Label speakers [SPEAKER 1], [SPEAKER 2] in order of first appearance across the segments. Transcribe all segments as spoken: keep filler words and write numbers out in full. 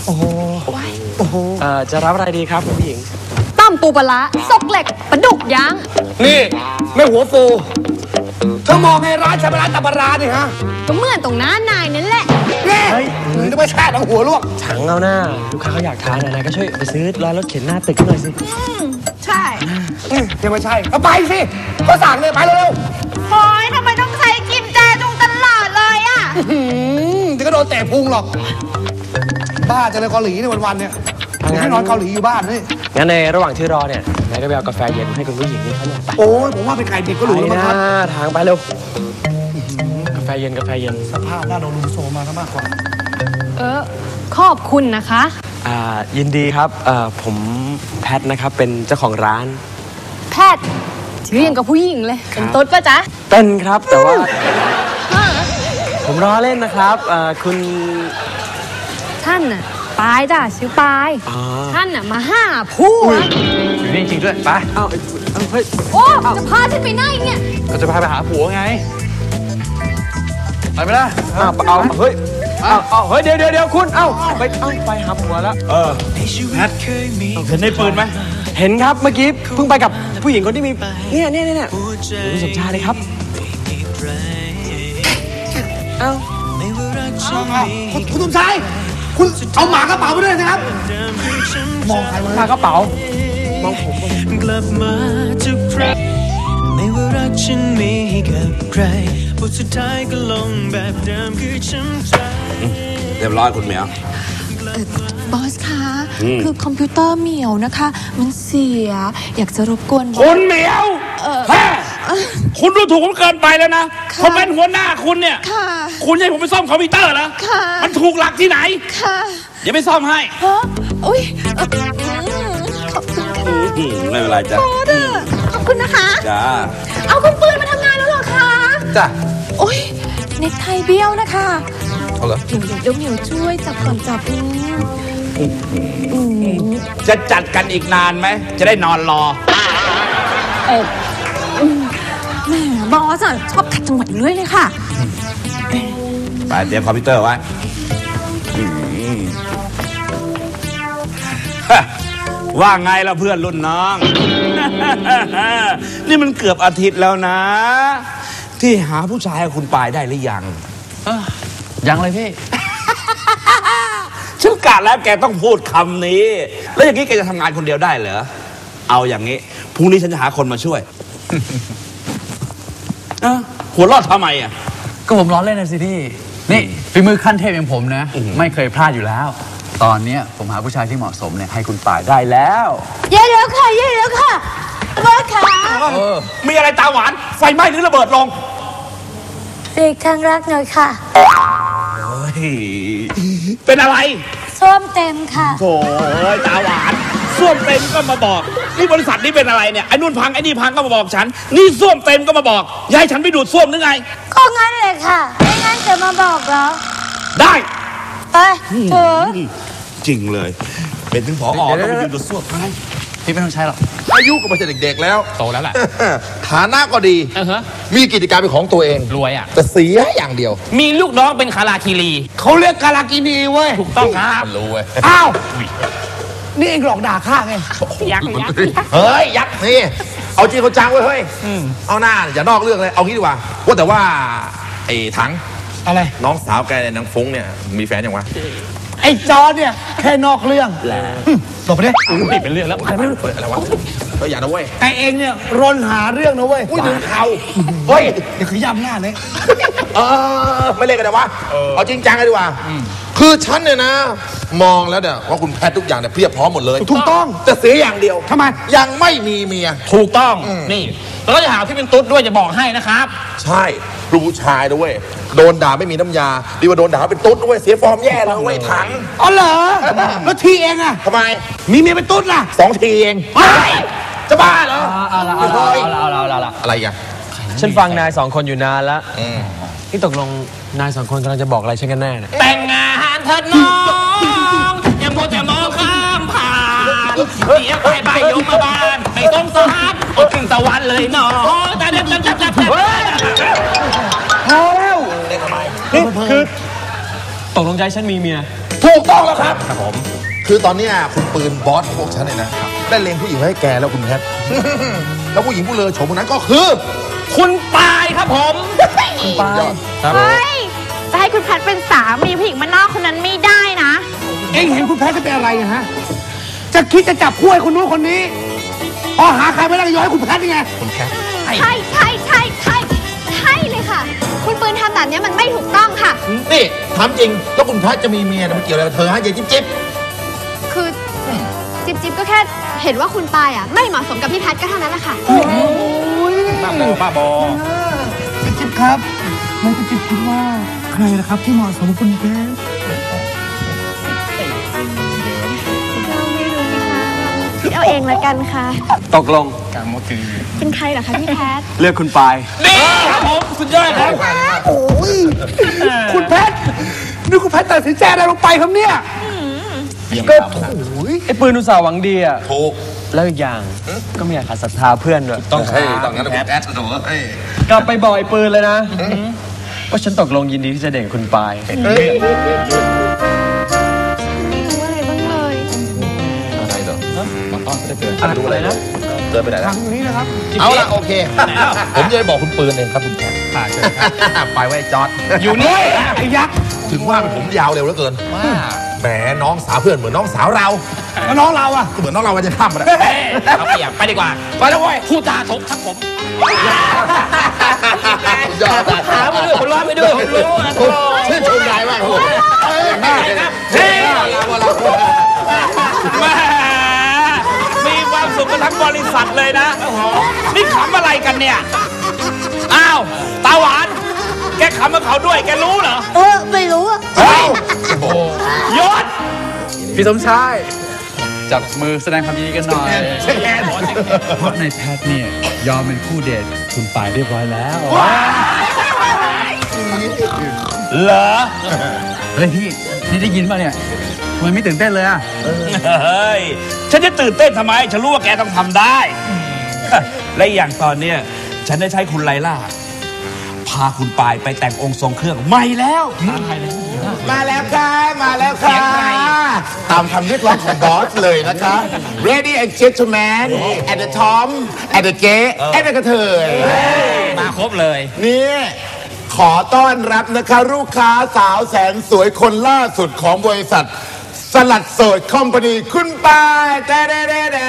[SPEAKER 1] โอ้โหโอ้โห
[SPEAKER 2] เอ่อจะรับอะไรดีครับคุณผู้หญิง
[SPEAKER 3] ตั้มปูปลาซกเหล็กปลาดุกย่าง
[SPEAKER 1] นี่ไม่หัวฟูเธอมองไงร้านชาบะร้านตะปราดิฮะ
[SPEAKER 3] ก็เหมือนตรงหน้านายนั่นแหละ
[SPEAKER 1] นี่นึกว่าแช่ทั้งหัวลวก
[SPEAKER 2] ถังเอาหน้าลูกค้าเขาอยากทานอะไรก็ช่วยไปซื้อร้านรถเข็นหน้าตึกหน่อยสิ
[SPEAKER 3] ใช่
[SPEAKER 1] ยังไม่ใช่ก็ไปสิก็สั่งเลยไปเร็ว
[SPEAKER 3] โอ๊ยทำไมต้องใช้กิมแจจุงตลอดเลยอ่ะ
[SPEAKER 1] เดี๋ยวก็โดนเตะพุงหรอกบ้าจะเลยเกาหลีในวันๆเนี่ยให้นอนเกาหลีอยู่บ้านนี่
[SPEAKER 2] งั้นในระหว่างที่รอเนี่ยนายก็ไปเอากาแฟเย็นให้คุณผู้หญิงนี่เขาหน่อยไป
[SPEAKER 1] โอ้ยผมว่าเป็นไก่ดิบก็หรูแล้วมั้งครับ
[SPEAKER 2] ทางไปเร็วกาแฟเย็นกาแฟเย็น
[SPEAKER 1] สภาพหน้าโดนลุมโซมาซะมากกว่า
[SPEAKER 3] เออขอบคุณนะคะ
[SPEAKER 2] อ่ายินดีครับเอ่อผมแพทนะครับเป็นเจ้าของร้าน
[SPEAKER 3] แพทชื่อยังกับผู้หญิงเลยเป็นตุ๊ดป่ะจ๊ะ
[SPEAKER 2] เป็นครับแต่ว่าผมรอเล่นนะครับเอ่อคุณ
[SPEAKER 3] ท่านน่ะปายจ้ะชื่อปายท่านน่ะมาห้าผู้
[SPEAKER 4] อยู่นี่จริงด้วยไป
[SPEAKER 2] เอ้าเฮ้ย
[SPEAKER 3] โอ้จะพาฉันไปไหนเนี่ย
[SPEAKER 4] ก็จะพาไปหาผัวไงไปไหมล่ะ
[SPEAKER 2] เอาเอาเฮ้ยเอาเอาเฮ้ยเดี๋ยวเดี๋ยวเดี๋ยวคุณเอ้าไปเอ้าไปหาผัวแล้ว
[SPEAKER 4] เออแพทเห็นในปืนไหม
[SPEAKER 2] เห็นครับเมื่อกี้เพิ่งไปกับผู้หญิงคนที่มีเนี่ยเนี่ยเนี่ยคุณสมชายเลยครับเอ้า
[SPEAKER 1] คุณสมชายคุณเอาหมากระเป๋าไปด้วยนะครับมองใคร
[SPEAKER 2] มากระเป๋ามองผม
[SPEAKER 5] กลับมาทุกครั้งไม่ว่ารักฉันมีกับใครบทสุดท้ายก็ลงแบบเดิมคือช้ำใจ
[SPEAKER 4] เรียบร้อยคุณเหมียว
[SPEAKER 6] บอสคะคือคอมพิวเตอร์เหมียวนะคะมันเสียอยากจะรบกวน
[SPEAKER 4] คุณเหมียวแฮ่คุณดูถูกผมเกินไปแล้วนะผมเป็นหัวหน้าคุณเนี่ยคุณให้ผมไปซ่อมคอมพิวเตอร์เหรอมันถูกหลักที่ไหนเดี๋ยวไปซ่อมให้
[SPEAKER 6] อุ้ยขอบคุณค่ะ
[SPEAKER 4] ไม่เป็นไรจ้ะ
[SPEAKER 6] ขอบคุณนะคะ
[SPEAKER 4] จ้า
[SPEAKER 6] เอาคุณปืนมาทำงานแล้วเหรอคะ
[SPEAKER 4] จ้ะ
[SPEAKER 6] โอ้ยเน็กไทเบี้ยวนะคะ
[SPEAKER 4] เอาเหรอ
[SPEAKER 6] เดี๋ยวเดี๋ยวเหมียวช่วยจับก่อนจับ
[SPEAKER 4] จะจัดกันอีกนานไหมจะได้นอนรอ
[SPEAKER 6] เออแหมบอสชอบขัดจังหวะอยู่เรื่อยเลยค่ะ
[SPEAKER 4] ไปเตรียมคอมพิวเตอร์ไว้ว่าไงล่ะเพื่อนรุ่นน้องนี่มันเกือบอาทิตย์แล้วนะที่หาผู้ชายคุณปายได้หรือยัง
[SPEAKER 2] ยังเลยพี่
[SPEAKER 4] ฉันกะแล้วแกต้องพูดคำนี้แล้วอย่างนี้แกจะทำงานคนเดียวได้เหรอเอาอย่างนี้พรุ่งนี้ฉันจะหาคนมาช่วยหัวรอดทำไมอ่ะ
[SPEAKER 7] ก็ผมล้อเล่นนะสิพี่นี่ฝีมือขั้นเทพอย่างผมนะไม่เคยพลาดอยู่แล้วตอนนี้ผมหาผู้ชายที่เหมาะสมเนี่ยให้คุณป่ายได้แล้ว
[SPEAKER 6] เย้แล้วค่ะเย้แล้วค่ะบอสค่ะ
[SPEAKER 4] มีอะไรตาหวานไฟไหม้หรือระเบิดลง
[SPEAKER 6] เด็กทางรักหน่อยค่ะ
[SPEAKER 4] เป็นอะไร
[SPEAKER 6] ส้วมเต็มค่ะ
[SPEAKER 4] โถ่ตาหวานส้วมเต็มก็มาบอกนี่บริษัทนี้เป็นอะไรเนี่ยไอ้นู่นพังไอ้นี่พังก็มาบอกฉันนี่ส้วมเต็มก็มาบอกยายฉันไปดูดส้วมหรือไง
[SPEAKER 6] ก็งั้นเลยค่ะไม่งั้นจะมาบอกเหรอ
[SPEAKER 4] ได้
[SPEAKER 6] ไปเถอะ
[SPEAKER 4] จริงเลยเป็นถึงผอต้องไปดูดส้วมไง
[SPEAKER 7] พี่ไม่ต้องใช้หรอก
[SPEAKER 8] อายุก็ไม่ใช่เด็กๆแล้ว
[SPEAKER 7] โตแล้วแหละ
[SPEAKER 8] ฐานะก็ดีมีกิจการเป็นของตัวเอง
[SPEAKER 7] รวยอ่ะ
[SPEAKER 8] แต่เสียอย่างเดียว
[SPEAKER 7] มีลูกน้องเป็นคาราคิรี
[SPEAKER 1] เขาเรียกคาราคินีเว้ย
[SPEAKER 7] ถูกต้องครับ
[SPEAKER 8] รู้เว้ย
[SPEAKER 1] อ้าวนี่เองหลอกด่าข้าไง
[SPEAKER 6] ยักษ์ยักษ์
[SPEAKER 8] เฮ้ยยักษ์นี่เอาจริงเขาจังเว้ยเฮ้ยเอาหน้าอย่านอกเรื่องเลยเอางี้ดีกว่าว่าแต่ว่าไอ้ถัง
[SPEAKER 1] อะไร
[SPEAKER 8] น้องสาวแกเนี่ยนางฟุ้งเนี่ยมีแฟนยังวะ
[SPEAKER 1] ไอ้จอเนี่ยแค่นอกเรื่องแหละตบไปดิ
[SPEAKER 7] ติดเป็นเรื่องแล้ว
[SPEAKER 8] อะไรไม่รู้อะไรวะเฮ้ยอย่านะเว้ย
[SPEAKER 1] ไอ้เองเนี่ยรนหาเรื่องนะเว้ย
[SPEAKER 8] อุ้ยดึงเขา
[SPEAKER 1] เฮ้ยเดี๋ยวขย้ำหน้าเลย
[SPEAKER 8] เออไม่เล่นกันนะวะเอาจริงจังเลยดีกว่าคือฉันเนี่ยนะมองแล้วเนี่ยว่าคุณแพทย์ทุกอย่างเนี่ยเพียบพร้อมหมดเลย
[SPEAKER 1] ถูกต้อง
[SPEAKER 8] แต่เสียอย่างเดียว
[SPEAKER 1] ทำไม
[SPEAKER 8] ยังไม่มีเมีย
[SPEAKER 7] ถูกต้องนี่แล้วก็จะหาที่เป็นตุ๊ดด้วยจะบอกให้นะครับ
[SPEAKER 8] ใช่ลูกผู้ชายด้วยโดนด่าไม่มีน้ำยาดีกว่าโดนด่าเป็นตุ๊ดด้วยเสียฟอร์มแย่เลยเว้ยถัง
[SPEAKER 1] อ๋อเหรอแล้วทีเองอะ
[SPEAKER 8] ทำไม
[SPEAKER 1] มีเมียเป็นตุ๊ดล่ะ
[SPEAKER 8] สองทีเองจะบ้าเหรอ
[SPEAKER 7] เอาละเอาละเอาละเอาละ
[SPEAKER 8] อะไรกัน
[SPEAKER 2] ฉันฟังนายสองคนอยู่นานแล้วที่ตกลงนายสองคนกำลังจะบอกอะไรฉันกันแน่เนี่ย
[SPEAKER 7] แต่งงานเถิดน้องอย่าโมจะมองข้ามผ่านเดี๋ยวไปไปยมมาบ้านไม่ต้องสารอดถึงตะวันเลยน้องแต่เด็กจับจับจับจับ
[SPEAKER 1] พอแล้ว
[SPEAKER 2] นี่คือตกลงใจฉันมีเมีย
[SPEAKER 1] ถ
[SPEAKER 8] ถูกต้องแล้วครับครับผมคือตอนเนี้ยคุณปืนบอสพวกฉันเนี่ยนะได้เลงผู้หญิงไว้ให้แกแล้วคุณแพท แล้วผู้หญิงผู้เลอโฉมคนนั้นก็คือ
[SPEAKER 7] คุณปายครับผม
[SPEAKER 8] คุณปายครับ
[SPEAKER 6] เฮ้ย จะให้คุณแพทเป็นสามีผู้หญิงบ้านนอกคนนั้นไม่ได้นะ
[SPEAKER 1] เอ็งเห็นคุณแพทย์จะเป็นอะไรอะฮะ จะคิดจะจับคู่ให้คนนู้นคนนี้ พอหาใครไม่ได้ก็ย้อยคุณแพทย์นี่ไง
[SPEAKER 8] คุณแพท
[SPEAKER 3] ใช่ใช่ใช่ใช่ใช่เลยค่ะ คุณปืนทำแบบนี้มันไม่ถูกต้องค่ะ
[SPEAKER 8] นี่ถามจริงแล้วคุณแพทย์จะมีเมียมันเกี่ยวอะไรกับเธอฮะยายจิ๊บจิ๊บ
[SPEAKER 3] คือจิ๊บจิ๊บก็แค่เห็นว่าคุณปายอ่ะไม่เหมาะสมกับพี่แพทย์ก็เท่านั้นแหละค่ะ
[SPEAKER 4] บ้าบอบ้าบอ
[SPEAKER 1] จิ๊บครับมันจะจิ๊บคิดว่าใครนะครับที่เหมาะสมกับคุณแพทย์
[SPEAKER 3] เราไม่รู้นะคะคิดเอาเองละกันค่ะ
[SPEAKER 2] ตกลง
[SPEAKER 3] เป็นใครเหรอคะพี่แพทย์
[SPEAKER 2] เลือกคุณปาย
[SPEAKER 7] นี่ครับผมสุดยอดครับ
[SPEAKER 1] โอ้ยคุณแพทย์นี่คุณแพทย์ตัดสินใจอะไรลงไปครับเนี่ยก็โอ้ย
[SPEAKER 2] ไอ้ปืนอุตส่าห์หวังดีอ่ะ
[SPEAKER 8] ถูก
[SPEAKER 2] แล้วอีกอย่างก็ไม่อยากขาดศรัทธาเพื่อนด้วย
[SPEAKER 8] ต้องใช่ต้องงั้นคุณแพทย์ถูกเฮ้ย
[SPEAKER 2] กลับไปบอกไอ้ปืนเลยนะว่าฉันตกลงยินดีที่จะเด่นคุณปาย
[SPEAKER 3] ไม่รู้อะไรบ้างเลย
[SPEAKER 8] อะไรเหรอมาต้อนไม่ได้เกิน
[SPEAKER 2] อะไร
[SPEAKER 8] ดูอะไรนะเกินไปไหนแล้ว
[SPEAKER 1] ทางนี้นะครับ
[SPEAKER 8] เอาละโอเค ผมจะไปบอกคุณปืนเองครับคุณแพทย์ไปไว้จอด
[SPEAKER 1] อยู่นี่ไอ้ยักษ์
[SPEAKER 8] ถึงว่าเป็นผมยาวเร็วเหลือเกินแหมน้องสาวเพื่อนเหมือนน้องสาวเรา
[SPEAKER 1] แล้วน้องเราอ่ะ
[SPEAKER 8] เหมือนน้องเราวันจะข้ามมาแล้ว
[SPEAKER 7] เอาเปรียบไปดีกว่า ไปแล้วเว้ยพูดจาถกครับผม
[SPEAKER 8] ยอด
[SPEAKER 7] ถามไปด้วยผมร้อนไปด้วยผมรู้นะ
[SPEAKER 8] ชื่นชมนายมากครับผม
[SPEAKER 7] เฮ้ยแม่มีความสุขกันทั้งบริษัทเลยนะ นี่ขำอะไรกันเนี่ย อ้าว ตาหวาน แกขำกับเขาด้วย แกรู้เหรอ
[SPEAKER 6] เออ ไม่รู้อะ
[SPEAKER 7] เฮ้ยยศ
[SPEAKER 9] พี่สมชายจับมือแสดงความยินดีกันหน่อยเพราะในแพทเนี่ยยอมเป็นคู่เดทคุณปายเรียบร้อยแล้ว
[SPEAKER 7] เหรอ
[SPEAKER 9] เฮ้ยพี่นี่ได้ยินป่ะเนี่ยทำไมไม่ตื่นเต้นเลยอะ
[SPEAKER 7] เฮ้ย ฉันจะตื่นเต้นทำไม ฉันรู้ว่าแกต้องทำได้ และอย่างตอนเนี้ยฉันได้ใช้คุณไลล่า พาคุณปายไปแต่งองค์ทรงเครื่องใหม่แล้ว
[SPEAKER 8] มาแล้วค่ะมาแล้วค่ะตามคำเรียกร้องของบอสเลยนะคะ Ready and gentlemen at the Tom at the gay at the กระเทย
[SPEAKER 7] มาครบเลย
[SPEAKER 8] นี่ขอต้อนรับนะคะลูกค้าสาวแสนสวยคนล่าสุดของบริษัท สลัดโสดคอมพานีคุณปายแด่แด่แด่แด่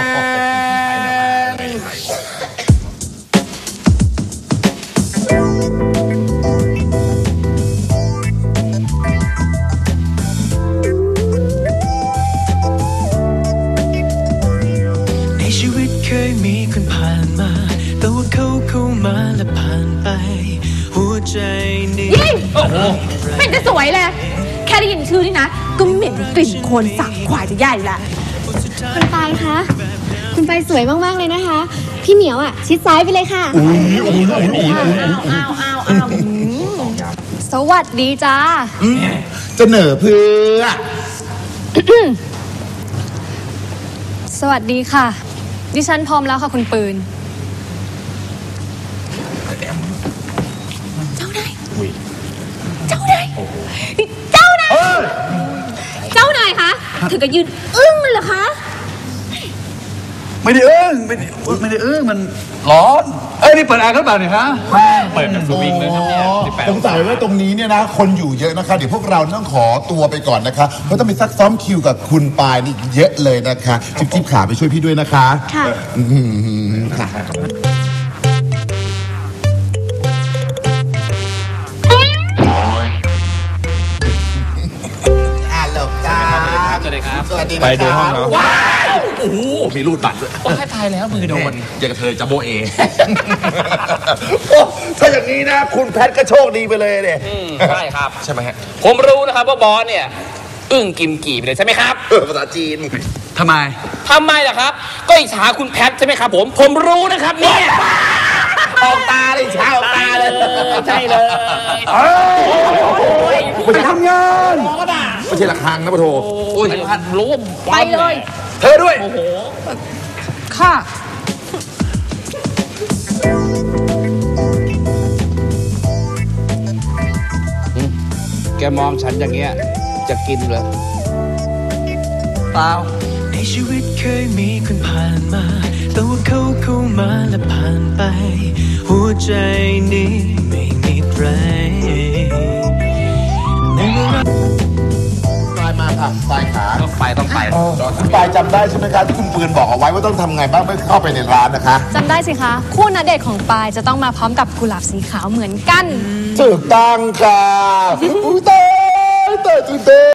[SPEAKER 5] ในชีวิตเคยมีคนผ่านมา แต่ว่าเขาเข้ามาและผ่านไป หัวใจนี้
[SPEAKER 6] ยิ่งไม่จะสวยเลย แค่ได้ยินชื่อนี่นะ ก็เหม็นกลิ่นโคลนสาบควายจะใหญ่ละ
[SPEAKER 3] คุณปายคะ คุณปายสวยมากๆเลยนะคะ พี่เหมียวอ่ะ ชิดซ้ายไปเลยค่ะอ้าวอ้าวอ้าวสวัสดีจ้า
[SPEAKER 8] จะเหนอเพื่อ
[SPEAKER 3] สวัสดีค่ะ ดิฉันพร้อมแล้วค่ะคุณปืน
[SPEAKER 6] เจ้านายเจ้านายนี่เจ้านายเจ้านายคะถึงกับยืนอึ้งเลยเหรอคะ
[SPEAKER 9] ไม่ได้เอื้องไม่ได้ไม่ได้เอื้องมันร้อนเอ้ยนี่เปิดแอร์หรือเปล่าเนี่ยฮะ
[SPEAKER 8] เปิดแบบสวิงเลยครับเนี่ยสงสัยว่าตรงนี้เนี่ยนะคนอยู่เยอะนะคะ เดี๋ยวพวกเราต้องขอตัวไปก่อนนะคะเพราะต้องไปซักซ้อมคิวกับคุณปายนี่เยอะเลยนะคะจิ๊บจิ๊บขาไปช่วยพี่ด้วยนะคะ
[SPEAKER 3] ค่ะ
[SPEAKER 8] อื้อหือค่ะอ่าหลบจ้า
[SPEAKER 7] สวัสดีครับ
[SPEAKER 8] สวัสดีนะ
[SPEAKER 4] ไปดูห้องเนาะ
[SPEAKER 8] ว้าวโอ้โหมีรูดบัตรด้วย
[SPEAKER 7] ว้ายตายแล้วมือโดน
[SPEAKER 8] อย่ากระเทยจะโบเอ โอ้ถ้าอย่างนี้นะ คุณแพทก็โชคดีไปเลยเนี่ย
[SPEAKER 7] ใช่ครับ
[SPEAKER 8] ใช่ไหมฮะ
[SPEAKER 7] ผมรู้นะครับว่าบอสเนี่ย อึ้งกิมกี่ไปเลยใช่ไหมครับ
[SPEAKER 8] เออภาษาจีน
[SPEAKER 9] ทำไม
[SPEAKER 7] ทำไมล่ะครับ ก็อิจฉาคุณแพทใช่ไหมครับผม ผมรู้นะครับเนี่ย
[SPEAKER 8] ออกตาเลยเช้าออกตาเลย
[SPEAKER 7] ใช่เลย
[SPEAKER 8] ไม่ใช่ทำงานไม่ใช่ระฆังนะปะโถ
[SPEAKER 7] โอ้ยพันรู้
[SPEAKER 6] ไปเลย
[SPEAKER 8] เธอด้วย
[SPEAKER 6] ค่ะ
[SPEAKER 4] แกมองฉันอย่างเงี้ย
[SPEAKER 10] จะกินเลย
[SPEAKER 9] เปล่า
[SPEAKER 5] ในชีวิตเคยมีคนผ่านมาแต่ว่าเขาเข้ามาและผ่านไปหัวใจนี้ไม่มีใครในเวลา
[SPEAKER 8] ปลายมาค่ะปลายขา
[SPEAKER 7] ต้องไปต้องไป
[SPEAKER 8] คุณปลายจำได้ใช่ไหมคะที่คุณปืนบอกเอาไว้ว่าต้องทำไงบ้างเมื่อเข้าไปในร้านนะคะ
[SPEAKER 3] จำได้สิคะ คู่ณเดชน์ของปายจะต้องมาพร้อมกับกุหลาบสีขาวเหมือนกัน
[SPEAKER 8] ถูกต้องค่ะอุ้ยตายตายตื่นเต้น